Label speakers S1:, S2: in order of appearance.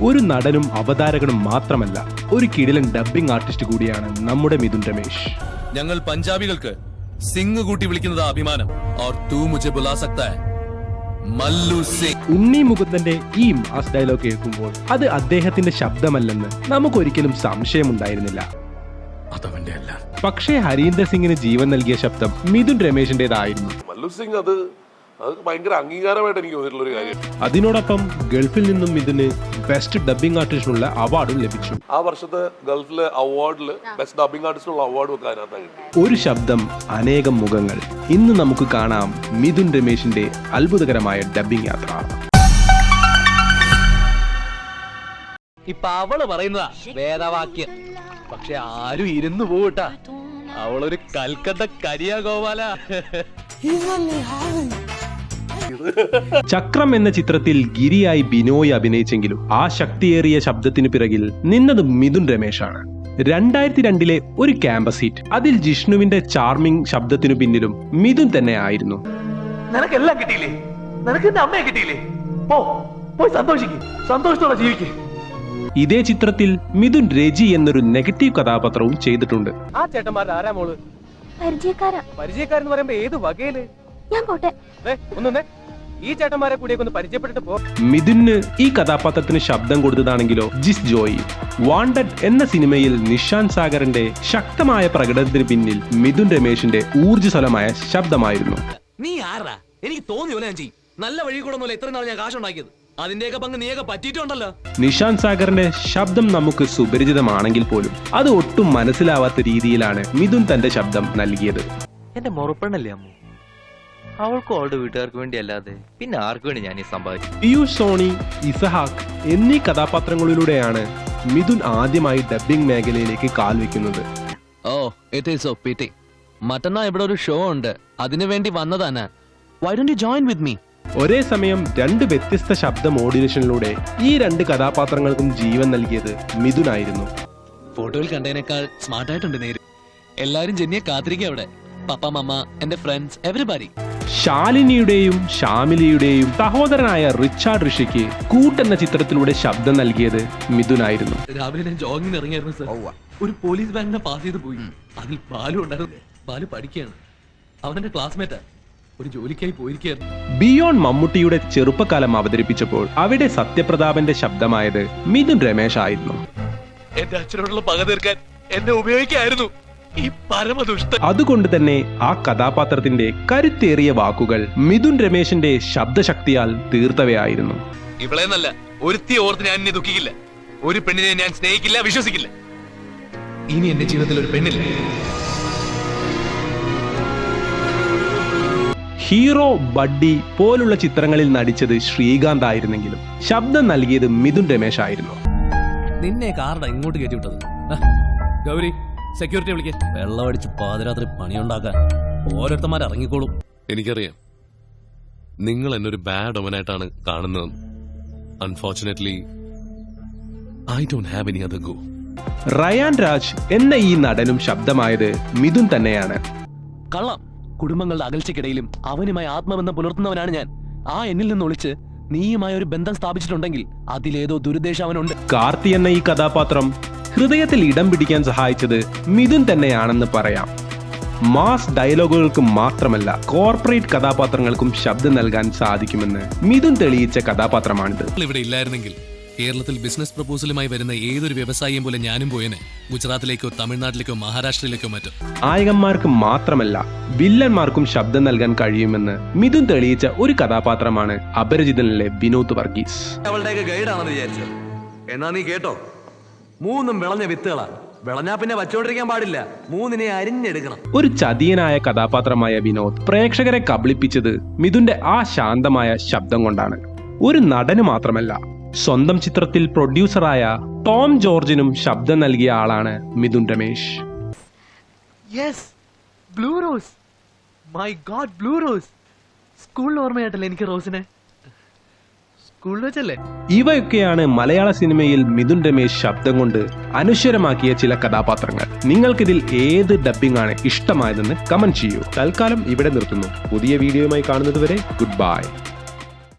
S1: ഒരു നടനും അവതാരകനും മാത്രമല്ല, ഒരു കിടിലൻ ഡബ്ബിംഗ് ആർട്ടിസ്റ്റ് കൂടിയാണ് നമ്മുടെ മിഥുൻ രമേശ്.
S2: ഞങ്ങൾ പഞ്ചാബികൾക്ക് സിംഗ് കൂട്ടി വിളിക്കുന്നത് അഭിമാനം. और तू मुझे बुला सकता है മല്ലു സിംഗ്.
S1: ഉണ്ണി മുകുന്ദന്റെ ഈ മാസ് ഡയലോഗ് കേൾക്കുമ്പോൾ അത് അദ്ദേഹത്തിന്റെ ശബ്ദമല്ലെന്ന് നമുക്കൊരിക്കലും സംശയമുണ്ടായിരുന്നില്ല.
S3: അതവന്റെ അല്ല.
S1: പക്ഷേ ഹരീന്ദർ സിംഗിന് ജീവൻ നൽകിയ ശബ്ദം മിഥുൻ രമേശിന്റേതായിരുന്നു.
S4: മല്ലു സിംഗ് അത് ഭയങ്കര അംഗീകാരമായിട്ട് എനിക്ക് തോന്നിയിട്ടുള്ള ഒരു കാര്യം.
S1: അതിനോടൊപ്പം ഗൾഫിൽ നിന്നും മിഥുന് ബെസ്റ്റ് ഡബ്ബിംഗ് ആർട്ടിസ്റ്റിനുള്ള അവാർഡും ലഭിച്ചു.
S4: ആ വർഷത്തെ ഗൾഫിലെ അവാർഡിൽ ബെസ്റ്റ് ഡബ്ബിംഗ് ആർട്ടിസ്റ്റിനുള്ള അവാർഡ് ഒക്കെ അതിനകത്താണ് കിട്ടി.
S1: ഒരു ശബ്ദം അനേകം മുഖങ്ങൾ. ഇന്ന് നമുക്ക് കാണാം മിഥുൻ രമേശിന്റെ അത്ഭുതകരമായ ഡബ്ബിംഗ് യാത്ര.
S5: ഇപ്പൊ അവള് പറയുന്നതാ വേദവാക്യം. പക്ഷെ ആരും ഇരുന്നു പോകട്ടാ. അവളൊരു കൽക്കത്ത കരിയാ ഗോപാല.
S1: ചക്രം എന്ന ചിത്രത്തിൽ ഗിരിയായി ബിനോയ് അഭിനയിച്ചെങ്കിലും ആ ശക്തിയേറിയ ശബ്ദത്തിന് പിറകിൽ നിന്നത് മിഥുൻ രമേശാണ്. 2002 ഒരു ക്യാമ്പസ് ഹിറ്റ്, അതിൽ ജിഷ്ണുവിന്റെ ചാർമിംഗ് ശബ്ദത്തിനു പിന്നിലും മിഥുൻ തന്നെ ആയിരുന്നു.
S5: നിനക്കെല്ലാം കിട്ടിയില്ലേ? നിനക്ക് എന്റെ അമ്മയെ കിട്ടിയില്ലേ? പോയി സന്തോഷിക്ക്, സന്തോഷത്തോടെ ജീവിക്ക്.
S1: ഇതേ ചിത്രത്തിൽ മിഥുൻ രജി എന്നൊരു നെഗറ്റീവ് കഥാപാത്രവും ചെയ്തിട്ടുണ്ട്.
S5: ആ ചേട്ടന്മാരുടെ ആരാ മോള്? പരിചയക്കാരെന്ന് പറയുമ്പോ ഏത് വകയില്?
S6: ഞാൻ പോട്ടെ.
S5: ഒന്നേ ഈ ചേട്ടന്മാരെ കൂടിയൊക്കെ ഒന്ന് പരിചയപ്പെട്ടിട്ട് പോ.
S1: മിഥുന് ഈ കഥാപാത്രത്തിന് ശബ്ദം കൊടുത്തതാണെങ്കിലോ ജിസ് ജോയി. വാണ്ടഡ് എന്ന സിനിമയിൽ നിഷാൻ സാഗറിന്റെ ശക്തമായ പ്രകടനത്തിന് പിന്നിൽ മിഥുൻ രമേശിന്റെ ഊർജ്ജസ്വലമായ ശബ്ദമായിരുന്നു.
S2: നീ ആരാ? എനിക്ക് തോന്നി പോലെ ഞാൻ ചെയ്യും. നല്ല വഴി കൂടെ ഒന്നുമില്ല ഇത്ര നാൾ ഞാൻ കാശുണ്ടാക്കിയത്. അതിന്റെയൊക്കെ പങ്ക് നീയൊക്കെ പറ്റിയിട്ടുണ്ടല്ലോ.
S1: നിഷാൻ സാഗറിന്റെ ശബ്ദം നമുക്ക് സുപരിചിതമാണെങ്കിൽ പോലും അത് ഒട്ടും മനസ്സിലാവാത്ത രീതിയിലാണ് മിഥുൻ തന്റെ ശബ്ദം നൽകിയത്.
S7: എന്റെ മുറപ്പെണ്ണല്ലേ അമ്മു? അവൾക്കും അവളുടെ വീട്ടുകാർക്ക് വേണ്ടി അല്ലാതെ പിന്നെ ആർക്കു വേണ്ടി ഞാൻ ഈ സമ്പാദിച്ചു?
S1: പിയൂഷ് സോണി, ഇസഹാക്ക് എന്നീ കഥാപാത്രങ്ങളിലൂടെയാണ് മിഥുൻ ആദ്യമായി ഡബ്ബിംഗ് മേഖലയിലേക്ക് കാൽ വെക്കുന്നത്.
S2: Oh it is so pity. മറ്റന്നാ ഇവിടെ ഒരു ഷോ ഉണ്ട്, അതിനു വേണ്ടി വന്നതാണ്. Why don't you join with me?
S1: ഒരേ സമയം 2 വ്യത്യസ്ത ശബ്ദ മോഡുലേഷനിലൂടെ ഈ 2 കഥാപാത്രങ്ങൾക്കും ജീവൻ നൽകിയത് മിഥുൻ ആയിരുന്നു.
S2: ഫോട്ടോയിൽ കണ്ടതിനേക്കാൾ സ്മാർട്ടായിട്ടുണ്ട് നേര്. എല്ലാരും ജെന്നിയെ കാത്തിരിക്കുക അവിടെ. പപ്പ, മമ്മ, എന്റെ ഫ്രണ്ട്സ്, എവരിബഡി.
S1: ശാലിനിയുടെയും ഷാമിലിയുടെയും സഹോദരനായ റിച്ചാർഡ് ഋഷിക്ക് കൂട്ടെന്ന ചിത്രത്തിലൂടെ ശബ്ദം നൽകിയത് മിഥുൻ ആയിരുന്നു.
S2: രാവിലെ ഞാൻ ജോഗിങ്ങിന് ഇറങ്ങിയായിരുന്നു സർ. ഒരു പോലീസ് ബാങ്കിനെ പാസ് ചെയ്ത് പോയി. അതിൽ ബാലു ഉണ്ടായിരുന്നു. ബാലു പഠിക്കുകയാണ്. അവനെന്റെ ക്ലാസ്മേറ്റാ. ഒരു ജോലിക്കായി പോയിരിക്കുകയായിരുന്നു.
S1: ബിയോൺ മമ്മൂട്ടിയുടെ ചെറുപ്പകാലം അവതരിപ്പിച്ചപ്പോൾ അവിടെ സത്യപ്രതാപന്റെ ശബ്ദമായത് മിഥുൻ രമേശ് ആയിരുന്നു.
S2: എന്റെ അച്ഛനോടുള്ള പക തീർക്കാൻ എന്നെ ഉപയോഗിക്കായിരുന്നു ഈ പരമദുഷ്ട.
S1: അതുകൊണ്ട് തന്നെ ആ കഥാപാത്രത്തിന്റെ കരുത്തേറിയ വാക്കുകൾ മിഥുൻ രമേശിന്റെ ശബ്ദശക്തിയാൽ തീർത്തവയായിരുന്നു.
S2: ഇവളെ നല്ല ഒരുത്തി ഓർത്ത് ഞാൻ എന്നെ ദുഃഖിക്കില്ല. ഒരു പെണ്ണിനെ ഞാൻ സ്നേഹിക്കില്ല, വിശ്വസിക്കില്ല. ഇനി എന്റെ ജീവിതത്തിൽ ഒരു പെണ്ണില്ല.
S1: ഹീറോ, ബഡ്ഡി പോലുള്ള ചിത്രങ്ങളിൽ നടിച്ചത് ശ്രീകാന്ത് ആയിരുന്നെങ്കിലും ശബ്ദം നൽകിയത് മിഥുൻ രമേശ് ആയിരുന്നു.
S2: നിന്നെ കാർഡ ഇങ്ങോട്ട് കയറ്റി വിട്ടത്. ഗൗരി, സെക്യൂരിറ്റി വിളിക്കാൻ. വെള്ളമടിച്ച് പാതിരാത്രി പണിയുണ്ടാക്കാൻ ഓരോരുത്തന്മാർ ഇറങ്ങിക്കോളും. എനിക്കറിയാം നിങ്ങൾ എന്നൊരു ബാഡ് ഒമനായിട്ടാണ് കാണുന്നത്. Unfortunately I don't have any other go.
S1: Rayan Raj എന്ന ഈ നടനും ശബ്ദമായത് മിഥുൻ തന്നെയാണ്.
S5: കള്ളം. കുടുംബങ്ങളുടെ അകൽച്ചയ്ക്കിടയിലും അവനുമായി ആത്മബന്ധം പുലർത്തുന്നവനാണ് ഞാൻ. ആ എന്നിൽ നിന്ന് ഒളിച്ച് നീയുമായി ഒരു ബന്ധം സ്ഥാപിച്ചിട്ടുണ്ടെങ്കിൽ അതിലേതോ ദുരുദ്ദേശം അവനുണ്ട്.
S1: കാർത്തി എന്ന ഈ കഥാപാത്രം ഹൃദയത്തിൽ ഇടം പിടിക്കാൻ സഹായിച്ചത് മിഥുൻ തന്നെയാണെന്ന് പറയാം. മാസ് ഡയലോഗുകൾക്ക് മാത്രമല്ല, കോർപ്പറേറ്റ് കഥാപാത്രങ്ങൾക്കും ശബ്ദം നൽകാൻ സാധിക്കുമെന്ന് മിഥുൻ തെളിയിച്ച കഥാപാത്രമാണിത്.
S2: ഇവിടെ ഇല്ലായിരുന്നെങ്കിൽ കേരളത്തിൽ ബിസിനസ് പ്രപ്പോസലുമായി വരുന്ന ഏതൊരു വ്യവസായിയും പോലെ ഞാനും പോയനെ. ഗുജറാത്തിലേക്കോ തമിഴ്നാട്ടിലേക്കോ മഹാരാഷ്ട്രയിലേക്കോ മറ്റോ.
S1: നായകന്മാർക്ക് മാത്രമല്ല വില്ലന്മാർക്കും ശബ്ദം നൽകാൻ കഴിയുമെന്ന് മിഥുൻ തെളിയിച്ച ഒരു കഥാപാത്രമാണ് അപരിചിതനിലെ വിനോദ് വർഗീസ്.
S5: അവളുടെയൊക്കെ ഗൈഡാണെന്ന് വിചാരിച്ചത്. എന്നാ നീ കേട്ടോ, 3 വിളഞ്ഞ വിത്തുകളാ. വിളഞ്ഞാ പിന്നെ വച്ചോണ്ടിരിക്കാൻ പാടില്ല. 3 അരിഞ്ഞെടുക്കണം.
S1: ഒരു ചതിയനായ കഥാപാത്രമായ വിനോദ് പ്രേക്ഷകരെ കബളിപ്പിച്ചത് മിഥുന്റെ ആ ശാന്തമായ ശബ്ദം കൊണ്ടാണ്. ഒരു നടന് മാത്രമല്ല, സ്വന്തം ചിത്രത്തിൽ പ്രൊഡ്യൂസറായ ടോം ജോർജിനും ശബ്ദം നൽകിയ ആളാണ് Mithun Ramesh.
S5: Yes, blue rose. My god, blue rose. സ്കൂളിൽ ഓർമ്മയായിട്ടല്ലേ എനിക്ക് റോസിനെ? സ്കൂളിൽ വെച്ചല്ലേ?
S1: ഇവയൊക്കെയാണ് മലയാള സിനിമയിൽ മിഥുൻ രമേശ് ശബ്ദം കൊണ്ട് അനശ്വരമാക്കിയ ചില കഥാപാത്രങ്ങൾ. നിങ്ങൾക്കിതിൽ ഏത് ഡബ്ബിംഗ് ആണ് ഇഷ്ടമായതെന്ന് കമന്റ് ചെയ്യൂ. തൽക്കാലം ഇവിടെ നിർത്തുന്നു. പുതിയ വീഡിയോയുമായി കാണുന്നതുവരെ ഗുഡ് ബൈ.